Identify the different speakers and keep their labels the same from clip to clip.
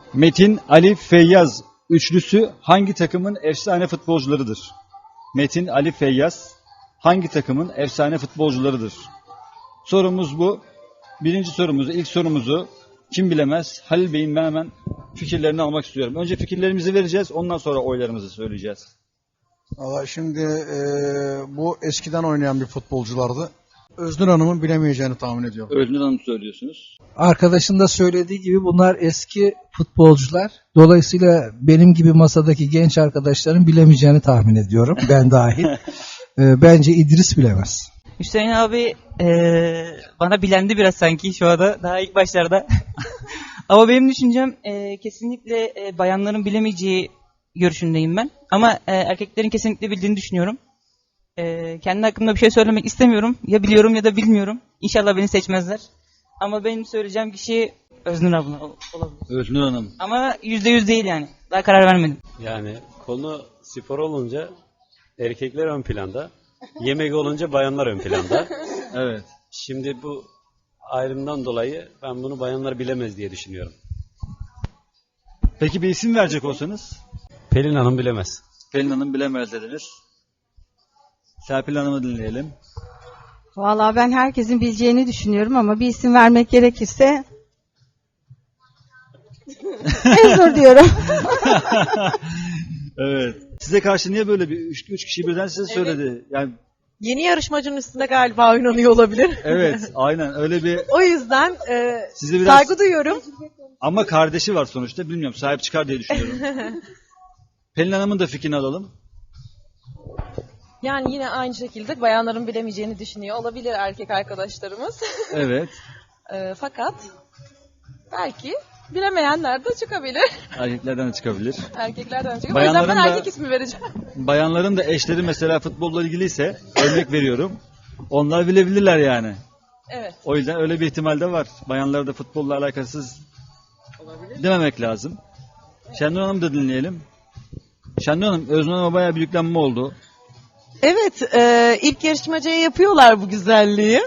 Speaker 1: Metin, Ali, Feyyaz üçlüsü hangi takımın efsane futbolcularıdır? Metin, Ali, Feyyaz hangi takımın efsane futbolcularıdır? Sorumuz bu. Birinci sorumuzu, ilk sorumuzu kim bilemez? Halil Bey'in ben hemen fikirlerini almak istiyorum. Önce fikirlerimizi vereceğiz, ondan sonra oylarımızı söyleyeceğiz.
Speaker 2: Valla şimdi bu eskiden oynayan bir futbolculardı. Öznur Hanım'ın bilemeyeceğini tahmin ediyorum.
Speaker 1: Öznur Hanım söylüyorsunuz.
Speaker 3: Arkadaşın da söylediği gibi bunlar eski futbolcular. Dolayısıyla benim gibi masadaki genç arkadaşların bilemeyeceğini tahmin ediyorum. Ben dahil. Bence İdris bilemez.
Speaker 4: Hüseyin abi bana bilendi biraz sanki şu anda daha ilk başlarda. Ama benim düşüncem kesinlikle bayanların bilemeyeceği görüşündeyim ben. Ama erkeklerin kesinlikle bildiğini düşünüyorum. Kendi hakkımda bir şey söylemek istemiyorum. Ya biliyorum ya da bilmiyorum. İnşallah beni seçmezler. Ama benim söyleyeceğim kişi Öznur abla olabilir.
Speaker 1: Öznur Hanım.
Speaker 4: Ama %100 değil yani. Daha karar vermedim.
Speaker 5: Yani konu spor olunca erkekler ön planda, yemek olunca bayanlar ön planda.
Speaker 1: Evet.
Speaker 5: Şimdi bu ayrımdan dolayı ben bunu bayanlar bilemez diye düşünüyorum.
Speaker 1: Peki bir isim verecek olsanız?
Speaker 5: Pelin Hanım bilemez.
Speaker 1: Pelin Hanım bilemez dediniz. Serpil Hanım'ı dinleyelim.
Speaker 6: Vallahi ben herkesin bileceğini düşünüyorum ama bir isim vermek gerekirse Öznur diyorum.
Speaker 1: Evet. Size karşı niye böyle bir üç kişi birden size söyledi? Yani
Speaker 7: Yeni yarışmacının üstünde galiba oynanıyor olabilir.
Speaker 1: evet, aynen öyle bir
Speaker 7: O yüzden
Speaker 1: sizi biraz
Speaker 7: saygı duyuyorum.
Speaker 1: ama kardeşi var sonuçta bilmiyorum sahip çıkar diye düşünüyorum. Pelin Hanım'ın da fikrini alalım.
Speaker 8: Yani yine aynı şekilde bayanların bilemeyeceğini düşünüyor olabilir erkek arkadaşlarımız.
Speaker 1: Evet.
Speaker 8: Fakat belki bilemeyenler de çıkabilir.
Speaker 1: Erkeklerden de çıkabilir.
Speaker 8: Erkeklerden de çıkabilir. O yüzden ben erkek ismi vereceğim.
Speaker 1: Bayanların da eşleri mesela futbolla ilgiliyse örnek veriyorum. Onlar bilebilirler yani.
Speaker 8: Evet.
Speaker 1: O yüzden öyle bir ihtimal de var. Bayanları da futbolla alakasız dememek lazım. Şenur Hanım'ı da dinleyelim. Şenur Hanım, Öznur Hanım'a bayağı bir yüklenme oldu.
Speaker 7: Evet, ilk yarışmacıya yapıyorlar bu güzelliği.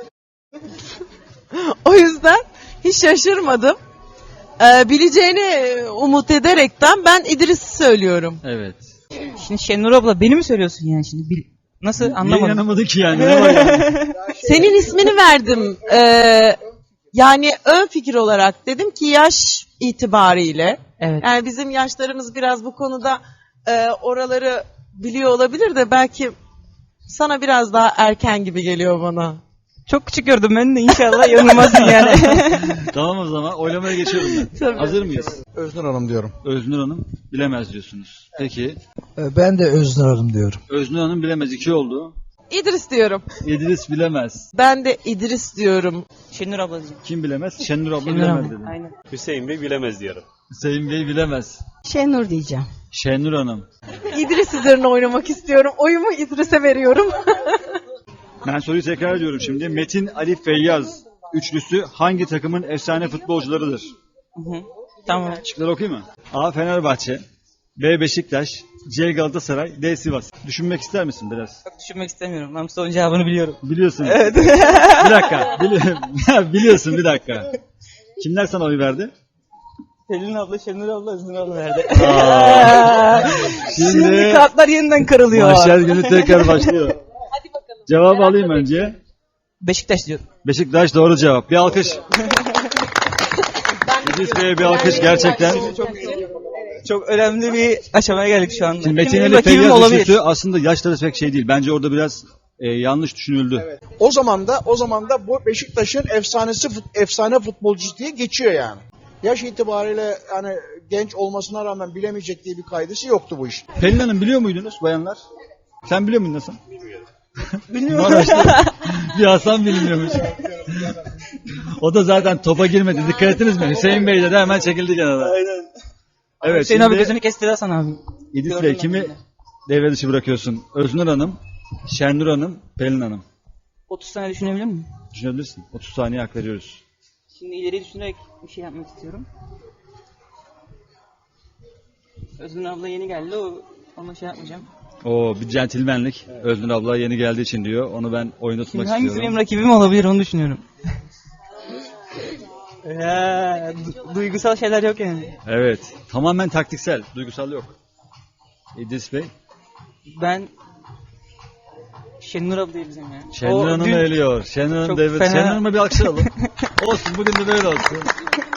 Speaker 7: O yüzden hiç şaşırmadım. Bileceğini umut ederekten ben İdris'i söylüyorum.
Speaker 1: Evet.
Speaker 4: Şimdi Şenur abla beni mi söylüyorsun yani şimdi? Nasıl
Speaker 1: Niye
Speaker 4: anlamadım.
Speaker 1: inanamadı ki yani? Ne var yani?
Speaker 7: Senin ismini verdim. Yani ön fikir olarak dedim ki yaş itibariyle.
Speaker 4: Evet.
Speaker 7: Yani bizim yaşlarımız biraz bu konuda oraları biliyor olabilir de belki sana biraz daha erken gibi geliyor bana.
Speaker 4: Çok küçük gördüm ben de inşallah yanılmazsın yani.
Speaker 1: Tamam o zaman oylamaya geçiyorum ben.
Speaker 7: Tabii.
Speaker 1: Hazır mıyız?
Speaker 2: Öznur Hanım diyorum.
Speaker 1: Öznur Hanım bilemez diyorsunuz. Peki.
Speaker 3: Ben de Öznur Hanım diyorum.
Speaker 1: Öznur Hanım bilemez. 2 oldu.
Speaker 7: İdris diyorum.
Speaker 1: İdris bilemez.
Speaker 7: Ben de İdris diyorum.
Speaker 4: Şenur abla diyeceğim.
Speaker 1: Kim bilemez? Şenur abla
Speaker 4: Şenur
Speaker 1: bilemez
Speaker 4: abla.
Speaker 1: dedi.
Speaker 4: Aynen.
Speaker 5: Hüseyin Bey bilemez diyorum.
Speaker 1: Hüseyin Bey bilemez.
Speaker 6: Şenur diyeceğim.
Speaker 1: Şenur Hanım.
Speaker 7: İdris üzerine oynamak istiyorum. Oyumu İdris'e veriyorum.
Speaker 1: Ben soruyu tekrar ediyorum şimdi. Metin, Ali, Feyyaz üçlüsü hangi takımın efsane futbolcularıdır?
Speaker 4: Hı. Tamam.
Speaker 1: Şıkları okuyayım mı? A. Fenerbahçe, B. Beşiktaş, C. Galatasaray, D. Sivas. Düşünmek ister misin biraz?
Speaker 4: Çok düşünmek istemiyorum. Ben bu sorunun cevabını biliyorum.
Speaker 1: Biliyorsun. Evet. Bir dakika. Biliyorsun bir dakika. Kimler sana oy verdi?
Speaker 4: Pelin abla, Şenur abla, Öznur abla verdi.
Speaker 1: Şimdi
Speaker 4: Kartlar yeniden kırılıyor.
Speaker 1: mahşer günü tekrar başlıyor.
Speaker 8: Hadi bakalım.
Speaker 1: Cevabı alayım önce.
Speaker 4: Beşiktaş diyorum.
Speaker 1: Beşiktaş doğru cevap. Bir alkış. İdris Bey'e bir alkış gerçekten.
Speaker 4: Çok önemli bir aşamaya geldik şu anda.
Speaker 1: Şimdi Metin
Speaker 4: Benim
Speaker 1: Ali
Speaker 4: rakibim
Speaker 1: Feyyaz
Speaker 4: olabilir.
Speaker 1: üçlüsü aslında yaşları pek şey değil. Bence orada biraz yanlış düşünüldü.
Speaker 2: O zaman da bu Beşiktaş'ın efsane futbolcusu diye geçiyor yani. Yaş itibariyle hani genç olmasına rağmen bilemeyecek diye bir kaidesi yoktu bu iş.
Speaker 1: Pelin Hanım biliyor muydunuz bayanlar? Sen biliyor muydun Hasan?
Speaker 4: Bilmiyorum.
Speaker 1: Bir Hasan bilmiyormuş. O da zaten topa girmedi. Dikkat ettiniz mi? Hüseyin Bey de hemen çekildi kenara.
Speaker 4: Aynen.
Speaker 1: Evet,
Speaker 4: Hüseyin abi
Speaker 1: şimdi
Speaker 4: gözünü kesti Hasan abi.
Speaker 1: İdris
Speaker 4: Gördüm
Speaker 1: Bey
Speaker 4: ben
Speaker 1: kimi
Speaker 4: bunu.
Speaker 1: devre dışı bırakıyorsun? Öznur Hanım, Şenur Hanım, Pelin Hanım.
Speaker 4: 30 saniye düşünebilir miyim?
Speaker 1: Düşünebilirsin. 30 saniye hak veriyoruz.
Speaker 4: Şimdi ileri düşünerek bir şey yapmak istiyorum. Öznur abla yeni geldi. Ona şey yapmayacağım.
Speaker 1: Oo, bir centilmenlik. Öznur abla yeni geldiği için diyor. Onu ben oyunda tutmak
Speaker 4: Şimdi hangisi
Speaker 1: istiyorum.
Speaker 4: benim rakibim olabilir onu düşünüyorum. Duygusal şeyler yok yani.
Speaker 1: Evet. Tamamen taktiksel. Duygusal yok. İdris Bey.
Speaker 4: Ben Şenur abla diyeceğim ya.
Speaker 1: Şenur
Speaker 4: O
Speaker 1: Hanım
Speaker 4: dün
Speaker 1: eliyor. Şenur Hanım
Speaker 4: çok
Speaker 1: devlet.
Speaker 4: fena-
Speaker 1: Şenur Hanım'a bir alkış alalım. Olsun bugün de böyle olsun.